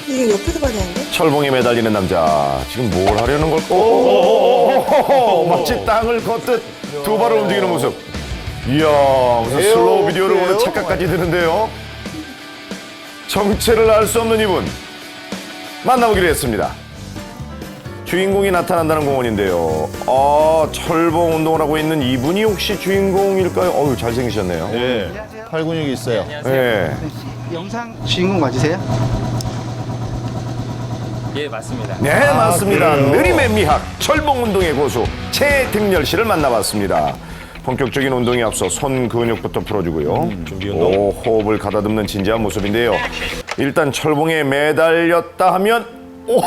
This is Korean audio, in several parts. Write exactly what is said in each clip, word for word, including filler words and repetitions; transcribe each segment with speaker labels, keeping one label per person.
Speaker 1: 이게 옆에서 봐야 되는데?
Speaker 2: 철봉에 매달리는 남자. 지금 뭘 하려는 걸까? 오오오오오오 마치 땅을 걷듯 두 발을 움직이는 모습. 이야, 무슨 슬로우 비디오를 보는 착각까지 드는데요. 정체를 알 수 없는 이분 만나보기로 했습니다. 주인공이 나타난다는 공원인데요. 아, 철봉 운동을 하고 있는 이분이 혹시 주인공일까요? 어우, 잘생기셨네요.
Speaker 3: 예, 팔 근육이 있어요.
Speaker 2: 네.
Speaker 4: 영상 주인공 맞으세요?
Speaker 5: 예, 맞습니다.
Speaker 2: 네, 맞습니다. 느림의 미학, 철봉 운동의 고수 최등렬 씨를 만나봤습니다. 본격적인 운동에 앞서 손 근육부터 풀어주고요.
Speaker 3: 음, 준비 운동.
Speaker 2: 오, 호흡을 가다듬는 진지한 모습인데요. 일단 철봉에 매달렸다 하면 오,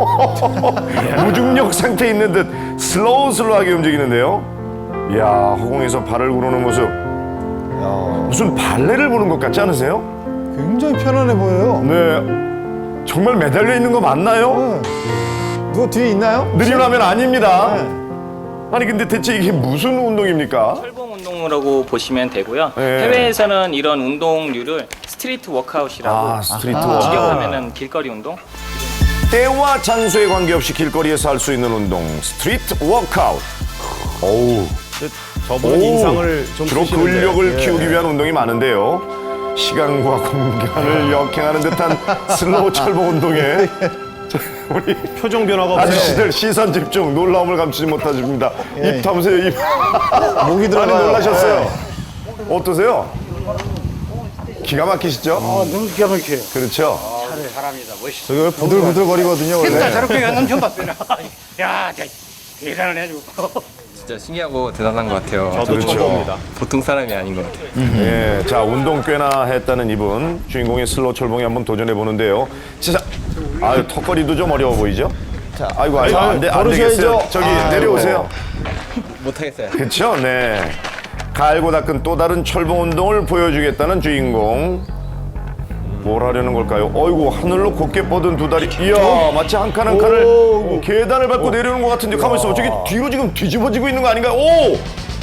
Speaker 2: 무중력 상태에 있는 듯 슬로우 슬로우하게 움직이는데요. 이야, 허공에서 발을 구르는 모습.
Speaker 3: 야,
Speaker 2: 무슨 발레를 보는 것 같지 않으세요?
Speaker 3: 굉장히 편안해 보여요.
Speaker 2: 네. 정말 매달려 있는 거 맞나요?
Speaker 3: 누가 뒤에 있나요?
Speaker 2: 느림라면 아닙니다. 아니 근데 대체 이게 무슨 운동입니까?
Speaker 5: 철봉 운동이라고 보시면 되고요.
Speaker 2: 네.
Speaker 5: 해외에서는 이런 운동류를 스트리트 워크아웃이라고
Speaker 2: 아, 스트리트
Speaker 5: 아,
Speaker 2: 워크.
Speaker 5: 직역하면은 길거리 운동.
Speaker 2: 때와 장소에 관계없이 길거리에서 할 수 있는 운동, 스트리트 워크아웃. 어우,
Speaker 3: 저분은
Speaker 2: 오,
Speaker 3: 인상을 좀
Speaker 2: 주로
Speaker 3: 쓰시는데.
Speaker 2: 근력을
Speaker 3: 예.
Speaker 2: 키우기 위한 운동이 많은데요. 시간과 공간을 역행하는 듯한 슬로우 철봉 운동에 자, 우리
Speaker 3: 표정 변화가 없어요.
Speaker 2: 아저씨들 시선 집중, 놀라움을 감추지 못하십니다.
Speaker 3: 예.
Speaker 2: 입 담으세요, 입.
Speaker 3: 목이
Speaker 2: 많이
Speaker 3: 들어가요.
Speaker 2: 놀라셨어요. 어떠세요? 기가 막히시죠?
Speaker 6: 아, 너무 기가 막혀요.
Speaker 2: 그렇죠.
Speaker 6: 사람이다, 멋있어.
Speaker 3: 저기 왜 부들부들거리거든요, 원래.
Speaker 6: 진짜 저렇게 가는 처음 봤어요. 야, 대- 대단하네, 아주.
Speaker 7: 진짜 신기하고 대단한 것 같아요.
Speaker 3: 저도
Speaker 2: 그렇죠.
Speaker 3: 처음 봅니다.
Speaker 7: 보통 사람이 아닌 것 같아요.
Speaker 2: 예, 자 운동 꽤나 했다는 이분 주인공의 슬로우 철봉에 한번 도전해 보는데요. 진짜 아유 턱걸이도 좀 어려워 보이죠? 자, 아이고 아이고 안돼 안
Speaker 3: 걸으셔야죠.
Speaker 2: 되겠어요. 저기
Speaker 3: 아이고.
Speaker 2: 내려오세요.
Speaker 7: 못하겠어요.
Speaker 2: 그렇죠, 네. 갈고 닦은 또 다른 철봉 운동을 보여주겠다는 주인공. 뭘 하려는 걸까요? 어이구 하늘로 곧게 뻗은 두 다리. 이야 마치 한 칸 한 칸을
Speaker 3: 오.
Speaker 2: 계단을 밟고 내려오는 것 같은데 가만 있어. 저기 뒤로 지금 뒤집어지고 있는 거 아닌가요? 오!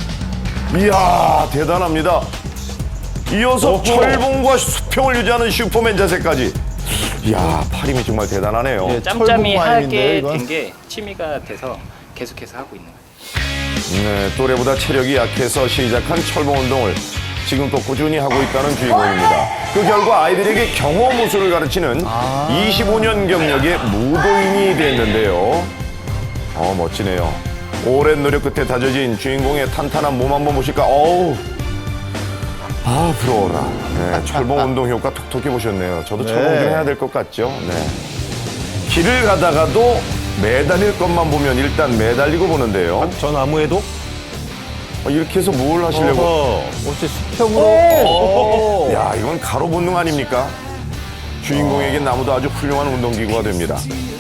Speaker 2: 이야 대단합니다. 이어서 철봉과 수평을 유지하는 슈퍼맨 자세까지. 이야 팔 힘이 정말 대단하네요.
Speaker 3: 예.
Speaker 5: 짬짬이
Speaker 3: 철봉 마임인데요,
Speaker 5: 하게
Speaker 3: 이건?
Speaker 5: 된 게 취미가 돼서 계속해서 하고 있는 거예요.
Speaker 2: 네, 또래보다 체력이 약해서 시작한 철봉 운동을 지금껏 꾸준히 하고 있다는 주인공입니다. 그 결과 아이들에게 경호무술을 가르치는 이십오 년 경력의 무도인이 됐는데요. 어, 멋지네요. 오랜 노력 끝에 다져진 주인공의 탄탄한 몸 한번 보실까? 어우, 아, 부러워라. 네, 철봉 운동 효과 톡톡히 보셨네요. 저도
Speaker 3: 네.
Speaker 2: 철봉 좀 해야 될 것 같죠? 네. 길을 가다가도 매달릴 것만 보면 일단 매달리고 보는데요.
Speaker 3: 저 나무에도?
Speaker 2: 어, 이렇게 해서 뭘 하시려고?
Speaker 3: 어허, 어째 수평으로. 오.
Speaker 2: 야, 이건 가로 본능 아닙니까? 주인공에겐 나무도 아주 훌륭한 운동기구가 됩니다.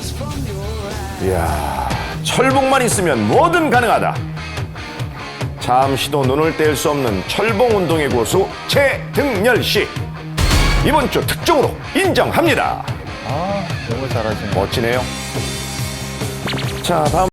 Speaker 2: 이야, 철봉만 있으면 뭐든 가능하다. 잠시도 눈을 뗄 수 없는 철봉 운동의 고수 최등렬 씨. 이번 주 특종으로 인정합니다.
Speaker 3: 아, 정말 잘하시네.
Speaker 2: 멋지네요. 자, 다음.